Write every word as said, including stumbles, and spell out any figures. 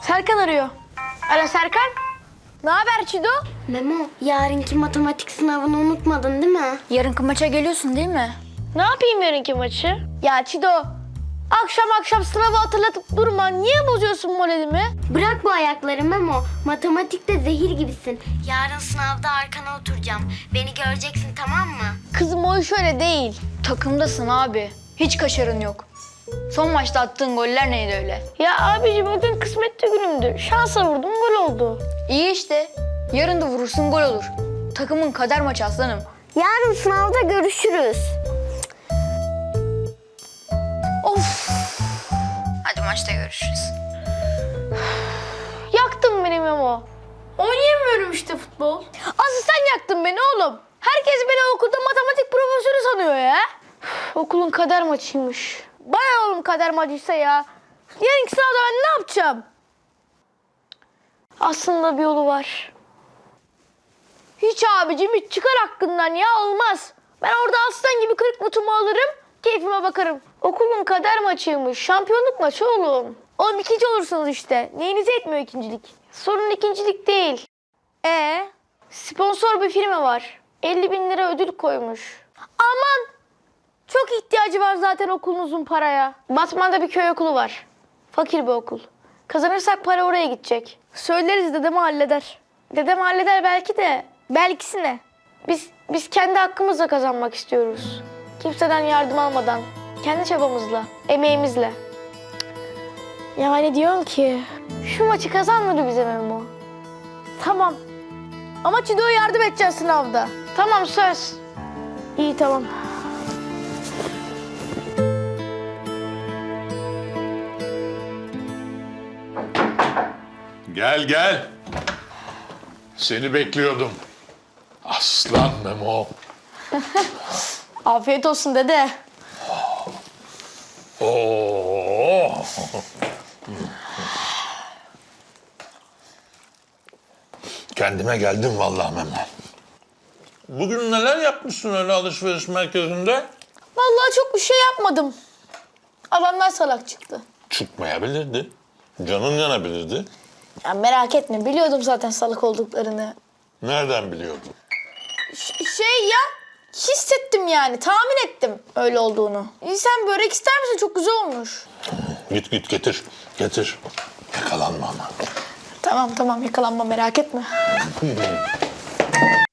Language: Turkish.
Serkan arıyor. Alo Serkan. Ne haber Çido? Memo, yarınki matematik sınavını unutmadın değil mi? Yarınki maça geliyorsun değil mi? Ne yapayım yarınki maçı? Ya Çido, akşam akşam sınavı hatırlatıp durma. Niye bozuyorsun moralimi? Bırak bu ayakları Memo. Matematikte zehir gibisin. Yarın sınavda arkana oturacağım. Beni göreceksin, tamam mı? Kızım o iş öyle değil. Takımdasın abi. Hiç kaşarın yok. Son maçta attığın goller neydi öyle? Ya abicim o gün kısmetli günümdü. Şansa vurdum, gol oldu. İyi işte. Yarın da vurursun gol olur. Takımın kader maçı aslanım. Yarın sınavda görüşürüz. Of. Hadi maçta görüşürüz. Yaktın beni Memo. Oynayamıyorum işte futbol. Asıl sen yaktın beni oğlum. Herkes beni okulda matematik profesörü sanıyor ya. Üf, okulun kader maçıymış. Bana oğlum kader maçıysa ya. Yarınki sınavda ben ne yapacağım? Aslında bir yolu var. Hiç abicim hiç çıkar hakkından ya, olmaz. Ben orada aslan gibi kırık mutumu alırım, keyfime bakarım. Okulun kader maçıymış, şampiyonluk maçı oğlum. Oğlum ikinci olursunuz işte. Neyinize etmiyor ikincilik? Sorun ikincilik değil. E sponsor bir firma var. elli bin lira ödül koymuş. Aman! Çok ihtiyacı var zaten okulunuzun paraya. Batman'da bir köy okulu var. Fakir bir okul. Kazanırsak para oraya gidecek. Söyleriz, dedem halleder. Dedem halleder belki de. Belkisi ne? Biz, biz kendi hakkımızla kazanmak istiyoruz. Kimseden yardım almadan. Kendi çabamızla, emeğimizle. Yani diyorum ki şu maçı kazandır bize Memo. Tamam. Ama Çido'ya yardım edeceğiz sınavda. Tamam, söz. İyi, tamam. Gel gel. Seni bekliyordum. Aslan Memo. Afiyet olsun dede. Oo. Kendime geldim vallahi Memo. Bugün neler yapmışsın öyle alışveriş merkezinde? Vallahi çok bir şey yapmadım. Adamlar salak çıktı. Çıkmayabilirdi. Canın yanabilirdi. Ya merak etme, biliyordum zaten salak olduklarını. Nereden biliyordun? Ş- şey ya, hissettim yani, tahmin ettim öyle olduğunu. İyi, sen börek ister misin? Çok güzel olmuş. Git git getir. Getir. Yakalanma ama. Tamam tamam, yakalanma, merak etme.